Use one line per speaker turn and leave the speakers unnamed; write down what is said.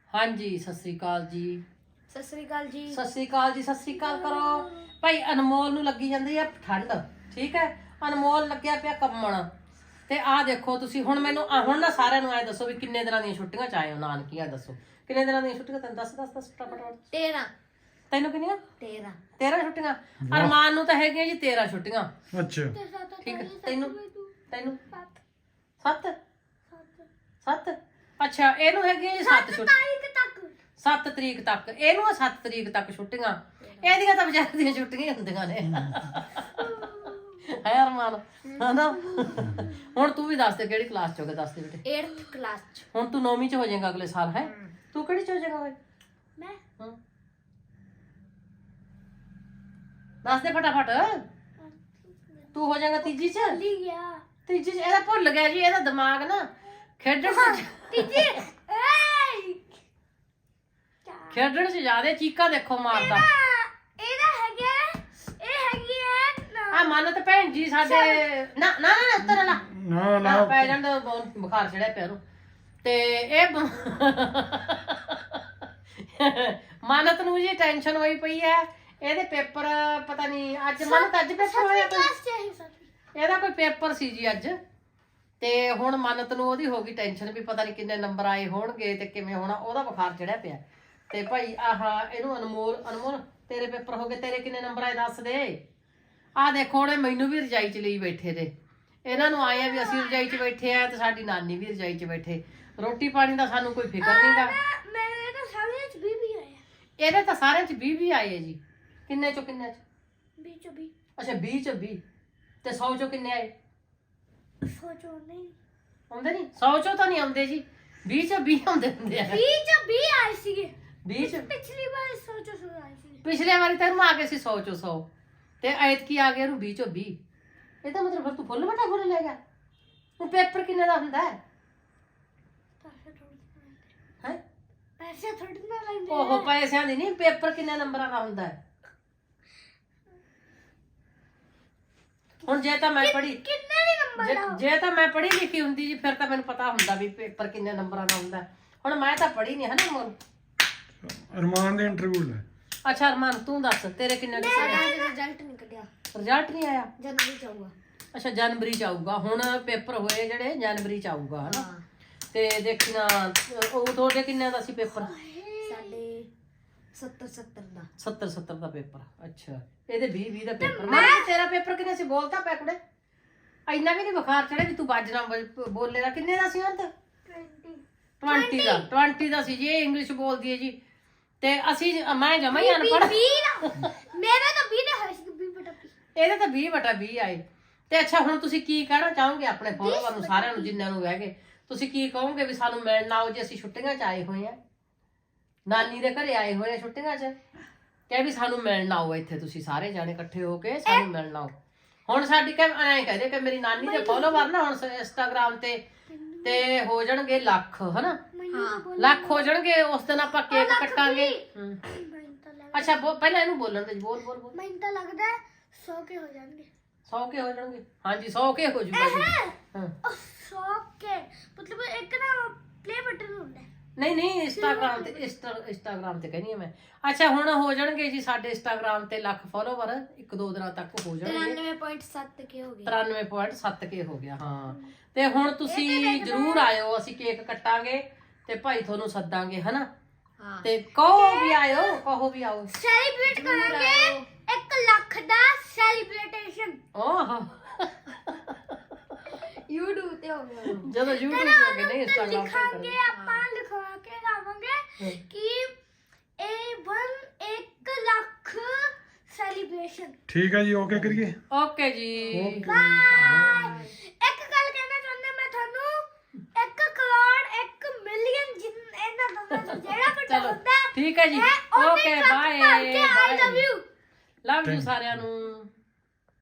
हाँ जी सत श्री अकाल जी।
सत श्री अकाल जी।
सत श्री अकाल जी। सत श्री अकाल करो भाई। अनमोल नूं लगी जांदी है ठंड, ठीक है। अनमोल लग्या पिया कंमण ते आ देखो तुसी हुण मैनूं हुण ना सारिआं नूं ऐ दसो भी किन्ने दिनां दीयां छुट्टियां च आए हो नानकियां दसो किन्ने दिनां दीयां छुट्टियां तैनूं दस फटाफट
13
तैनूं किन्नियां
13
13 छुट्टियां अरमान नूं तां हैगियां जी 13 छुट्टियां
अच्छा
ठीक है। तैनूं तैनूं 7 7 अच्छा ਇਹਨੂੰ ਹੈਗੀਆਂ ਜੀ 7 ਛੁੱਟੀਆਂ 7 ਤਰੀਕ ਤੱਕ ਇਹਨੂੰ 7 ਤਰੀਕ ਤੱਕ ਛੁੱਟੀਆਂ ਇਹਦੀਆਂ ਤਾਂ ਵਿਚਾਰ ਦੀਆਂ ਛੁੱਟੀਆਂ ਹੁੰਦੀਆਂ ਨੇ ਹੈ ਅਰਮਾਨ ਹਨਾ। ਹੁਣ ਤੂੰ ਵੀ ਦੱਸ ਦੇ ਕਿਹੜੀ ਕਲਾਸ ਚ ਹੋਗੇ ਦੱਸ ਦੇ ਬੇਟੇ।
8th क्लास ਚ।
ਹੁਣ ਤੂੰ 9ਵੀਂ ਚ ਹੋ ਜਾਏਗਾ ਅਗਲੇ ਸਾਲ ਹੈ। ਤੂੰ ਕਿਹੜੀ ਚ ਹੋ ਜਾਏਗਾ ਓਏ
ਮੈਂ
ਦੱਸ ਦੇ ਫਟਾਫਟ। ਤੂੰ ਹੋ ਜਾਏਗਾ ਤੀਜੀ ਚ।
ਭੁੱਲ ਗਿਆ
ਤੀਜੀ ਚ ਇਹਦਾ ਭੁੱਲ ਗਿਆ ਜੀ ਇਹਦਾ ਦਿਮਾਗ ਨਾ ਖੇਡਣ ਚ
ਤੀਜੀ
ਖੇਡਣ ਚ ਜ਼ਿਆਦਾ ਚੀਕਾਂ ਦੇਖੋ ਮਾਰਦਾ।
ਇਹਦਾ ਹੈਗਾ ਇਹ ਹੈਗੀ ਹੈ
ਆ ਮਾਨਤ ਭੈਣ ਜੀ ਸਾਡੇ ਨਾ ਨਾ ਨਾ ਉੱਤਰ ਨਾ
ਨਾ
ਨਾ ਪੈ ਜਾਂਦਾ ਬੁਖਾਰ ਚੜਿਆ ਪਿਆ ਨੂੰ ਤੇ ਇਹ ਮਾਨਤ ਨੂੰ ਜੀ ਟੈਨਸ਼ਨ ਹੋਈ ਪਈ ਹੈ ਇਹਦੇ ਪੇਪਰ ਪਤਾ ਨਹੀਂ ਅੱਜ ਮਾਨਤ ਅੱਜ ਪੇਪਰ ਹੋਇਆ ਕੋਈ ਇਹਦਾ ਕੋਈ ਪੇਪਰ ਸੀ ਜੀ ਅੱਜ ਤੇ ਹੁਣ ਮਾਨਤ ਨੂੰ ਉਹਦੀ ਹੋ ਗਈ ਟੈਨਸ਼ਨ ਵੀ ਪਤਾ ਨਹੀਂ ਕਿੰਨੇ ਨੰਬਰ ਆਏ ਹੋਣਗੇ ਤੇ ਕਿਵੇਂ ਹੋਣਾ ਉਹਦਾ ਬੁਖਾਰ ਚੜਿਆ ਪਿਆ ਤੇ ਭਾਈ ਆਹ ਇਹਨੂੰ ਅਨਮੋਲ ਤੇਰੇ ਪੇਪਰ ਹੋ ਗਏ ਤੇਰੇ ਕਿੰਨੇ ਨੰਬਰ ਆਏ ਦੱਸ ਦੇ। ਆਹ ਦੇਖੋ ਉਹਨੇ ਮੈਨੂੰ ਵੀ ਰਜਾਈ ਚ ਲਈ ਬੈਠੇ ਨੇ ਇਹਨਾਂ ਨੂੰ ਆਏ ਆ ਵੀ ਅਸੀਂ ਰਜਾਈ ਚ ਬੈਠੇ ਆ ਤੇ ਸਾਡੀ ਨਾਨੀ ਵੀ ਰਜਾਈ ਚ ਬੈਠੇ ਰੋਟੀ ਪਾਣੀ ਦਾ ਸਾਨੂੰ ਕੋਈ ਫਿਕਰ ਨਹੀਂਗਾ।
ਮੇਰੇ ਤਾਂ ਸਾਰੇ ਚ 20 ਆਏ
ਇਹਦੇ ਤਾਂ ਸਾਰਿਆਂ ਚ 20 ਆਏ ਆ ਜੀ। ਕਿੰਨੇ ਚੋਂ ਕਿੰਨੇ ਚ
20 ਚ 20
ਅੱਛਾ 20 ਚ 20 ਤੇ 100 ਚੋਂ ਕਿੰਨੇ ਆਏ
ਸੋਚੋ ਨਹੀਂ
ਆਉਂਦੇ ਨਹੀਂ 100 ਚੋਂ ਤਾਂ ਨਹੀਂ ਆਉਂਦੇ ਜੀ 20 ਚ 20 ਆਉਂਦੇ ਹੁੰਦੇ ਆ
20 ਚ 20 ਆਏ ਸੀਗੇ
20 ਚ
ਪਿਛਲੀ ਵਾਰ ਸੋਚੋ ਆਏ ਸੀ
ਪਿਛਲੇ ਵਾਰੀ ਤੈਨੂੰ ਆ ਗਏ ਸੀ 100 ਚੋਂ 100 ਤੇ ਐਤਕੀ ਆ ਗਿਆ ਇਹਨੂੰ 20 ਚੋਂ 20 ਇਹਦਾ ਮਤਲਬ ਫਿਰ ਤੂੰ ਫੁੱਲ ਵੱਡਾ ਫੁੱਲ ਲੈ ਗਿਆ। ਹੁਣ ਪੇਪਰ ਕਿੰਨੇ ਦਾ ਹੁੰਦਾ ਹੈ ਹੈ
ਪੈਸੇ ਥੋੜੀ ਨਾ ਲੈਂਦੇ
ਉਹ ਪੈਸਿਆਂ ਦੀ ਨਹੀਂ ਪੇਪਰ ਕਿੰਨੇ ਨੰਬਰਾਂ ਦਾ ਹੁੰਦਾ ਹੈ। ਹੁਣ ਜੇ ਤਾਂ ਮੈਂ ਪੜ੍ਹੀ
ਕਿੰਨੇ ਵੀ ਨੰਬਰ
ਜੇ ਤਾਂ ਮੈਂ ਪੜ੍ਹੀ ਲਿਖੀ ਹੁੰਦੀ ਜੀ ਫਿਰ ਤਾਂ ਮੈਨੂੰ ਪਤਾ ਹੁੰਦਾ ਵੀ ਪੇਪਰ ਕਿੰਨੇ ਨੰਬਰਾਂ ਦਾ ਹੁੰਦਾ। ਹੁਣ ਮੈਂ ਤਾਂ ਪੜ੍ਹੀ ਨਹੀਂ ਹੈ ਨਾ ਮੋਰ
ਅਰਮਾਨ ਦੇ ਇੰਟਰਵਿਊ ਲੈ।
ਅੱਛਾ ਅਰਮਾਨ ਤੂੰ ਦੱਸ ਤੇਰੇ ਕਿੰਨੇ
ਰਿਜ਼ਲਟ ਨਹੀਂ ਕੱਢਿਆ
ਰਿਜ਼ਲਟ ਨਹੀਂ ਆਇਆ।
ਜਨਵਰੀ ਚ ਆਊਗਾ।
ਅੱਛਾ ਜਨਵਰੀ ਚ ਆਊਗਾ। ਹੁਣ ਪੇਪਰ ਹੋਏ ਜਿਹੜੇ ਜਨਵਰੀ ਚ ਆਊਗਾ ਹਨਾ ਤੇ ਦੇਖਣਾ ਉਹ ਤੁਹਾਡੇ ਕਿੰਨੇ ਦਾ ਸੀ ਪੇਪਰ
ਸਾਡੇ 70 ਦਾ
70 ਦਾ ਪੇਪਰ। ਅੱਛਾ ਇਹਦੇ 20 ਦਾ ਪੇਪਰ। ਮੈਂ ਤੇਰਾ ਪੇਪਰ ਕਿੰਨੇ ਸੀ ਬੋਲਤਾ ਪੈ ਕੁੜੇ ਇੰਨਾ ਵੀ ਨਹੀਂ ਬੁਖਾਰ ਚੜਿਆ ਵੀ ਤੂੰ ਬਾਜਣਾ ਬੋਲੇ ਦਾ ਕਿੰਨੇ ਦਾ ਸੀ ਅੰਤ 20 ਦਾ ਸੀ ਜੀ। ਇਹ ਇੰਗਲਿਸ਼ ਬੋਲਦੀ ਹੈ ਜੀ ਤੇ ਅਸੀਂ ਮੈਂ ਜਮਾ ਹੀ ਅਨਪੜ੍ਹ
ਮੇਰਾ ਤਾਂ 20 ਦਾ ਹੈ ਸੀ 20/20
ਇਹਦੇ ਤਾਂ 20/20 ਆਏ ਤੇ ਅੱਛਾ ਹੁਣ ਤੁਸੀਂ ਕੀ ਕਹਿਣਾ ਚਾਹੋਗੇ ਆਪਣੇ ਫੋਲੋਵਰ ਨੂੰ ਸਾਰਿਆਂ ਨੂੰ ਜਿੰਨਿਆਂ ਨੂੰ ਹੈਗੇ ਤੁਸੀਂ ਕੀ ਕਹੋਗੇ ਵੀ ਸਾਨੂੰ ਮਿਲਣ ਆਓ ਜੀ ਅਸੀਂ ਛੁੱਟੀਆਂ 'ਚ ਆਏ ਹੋਏ ਆ ਨਾਨੀ ਦੇ ਘਰੇ ਆਏ ਹੋਏ ਆ ਛੁੱਟੀਆਂ 'ਚ ਤੇ ਵੀ ਸਾਨੂੰ ਮਿਲਣ ਆਓ ਇੱਥੇ ਤੁਸੀਂ ਸਾਰੇ ਜਾਣੇ ਇਕੱਠੇ ਹੋ ਕੇ ਸਾਨੂੰ ਮਿਲਣ ਆਓ। ਹੁਣ ਸਾਡੀ ਐਂ ਕਹਦੇ ਕਿ ਮੇਰੀ ਨਾਨੀ ਦੇ ਫੋਲੋਵਰ ਨਾ ਹੁਣ ਇੰਸਟਾਗ੍ਰਾਮ ਤੇ ਹੋ ਜਾਣਗੇ ਲੱਖ ਹਨਾ ਲੱਖ ਹੋ ਜਾਣਗੇ ਉਸ ਦਿਨ ਆਪਾਂ ਕੇਕ ਕੱਟਾਂਗੇ। ਅੱਛਾ ਪਹਿਲਾਂ ਇਹਨੂੰ ਬੋਲਣ ਦੇ ਬੋਲ
ਮੈਨੂੰ ਤਾਂ ਲੱਗਦਾ 100 ਕੇ ਹੋ ਜਾਣਗੇ
100 ਕੇ ਹੋ ਜਾਣਗੇ। ਹਾਂਜੀ 100 ਕੇ ਹੋ ਜੂਗਾ ਜੀ। ਹਾਂ
100 ਕੇ ਮਤਲਬ ਇੱਕ ਨਾ ਪਲੇ ਬਟਨ ਹੁੰਦਾ
ਨਹੀਂ ਇੰਸਟਾਗ੍ਰਾਮ ਤੇ ਕਹਿੰਦੀ ਆ ਮੈਂ। ਅੱਛਾ ਹੁਣ ਹੋ ਜਾਣਗੇ ਜੀ ਸਾਡੇ ਇੰਸਟਾਗ੍ਰਾਮ ਤੇ ਲੱਖ ਫੋਲੋਵਰ 1-2 ਦਿਨਾਂ ਤੱਕ ਹੋ ਜਾਣਗੇ।
93.7 ਕੇ ਹੋ ਗਏ
93.7 ਕੇ ਹੋ ਗਿਆ ਹਾਂ। ਤੇ ਹੁਣ ਤੁਸੀਂ ਜਰੂਰ ਆਇਓ ਅਸੀਂ ਕੇਕ ਕੱਟਾਂਗੇ ਤੇ ਭਾਈ ਤੁਹਾਨੂੰ ਸੱਦਾਂਗੇ ਹਨਾ ਤੇ ਕਹੋ ਵੀ ਆਓ
ਸੈਲੀਬ੍ਰੇਟ ਕਰਾਂਗੇ 1 ਲੱਖ ਦਾ ਸੈਲੀਬ੍ਰੇਸ਼ਨ
ਓਹ
YouTube ਤੇ ਹੋਊਗਾ
ਜਦੋਂ YouTube ਤੇ ਹੋਗੇ ਨਹੀਂ ਇੰਸਟਾਗ੍ਰਾਮ ਤੇ
ਲਿਖਾਂਗੇ ਆਪਾਂ ਲਿਖਵਾ ਕੇ ਲਾਵਾਂਗੇ ਕਿ A1 1 ਲੱਖ ਸੈਲੀਬ੍ਰੇਸ਼ਨ।
ਠੀਕ ਹੈ ਜੀ ਓਕੇ ਕਰੀਏ।
ਓਕੇ ਜੀ
ਬਾਏ। ਇੱਕ ਗੱਲ ਕਹਿਣਾ ਚਾਹੁੰਦਾ ਮੈਂ ਤੁਹਾਨੂੰ 1 ਕਰੋੜ 1 ਮਿਲੀਅਨ ਇਹਨਾਂ ਦੋਨਾਂ ਤੋਂ ਜਿਹੜਾ ਵੱਡਾ ਹੁੰਦਾ
ਠੀਕ ਹੈ ਜੀ okay bye
I love you
love you ਸਾਰਿਆਂ ਨੂੰ।